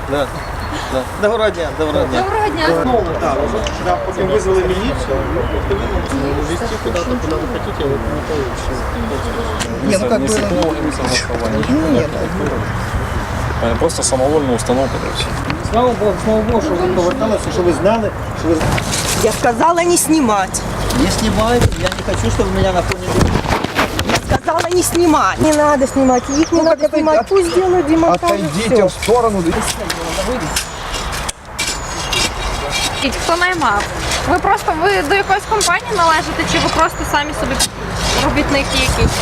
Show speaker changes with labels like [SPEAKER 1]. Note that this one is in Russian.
[SPEAKER 1] Да. Да. Доброго дня, доброго дня.
[SPEAKER 2] Доброго дня.
[SPEAKER 1] Да, да, потом вызвали милицию. Везти куда-то, куда вы хотите, вот не получится.
[SPEAKER 3] Не, ну как бы...
[SPEAKER 4] не согласование.
[SPEAKER 3] Нет,
[SPEAKER 4] Просто самовольная установка, короче.
[SPEAKER 1] Слава Богу, що ви поверталися, що ви знали, що ви...
[SPEAKER 3] я сказала не снимать.
[SPEAKER 1] Не снимайте, я не хочу, чтобы меня на фоне...
[SPEAKER 3] Я сказала не снимать. Не надо снимать, их не надо снимать. Пусть делают демонтаж.
[SPEAKER 5] Отойдите в сторону.
[SPEAKER 2] І хто наймав? Ви до якоїсь компанії належите, чи ви просто самі собі робітники якісь?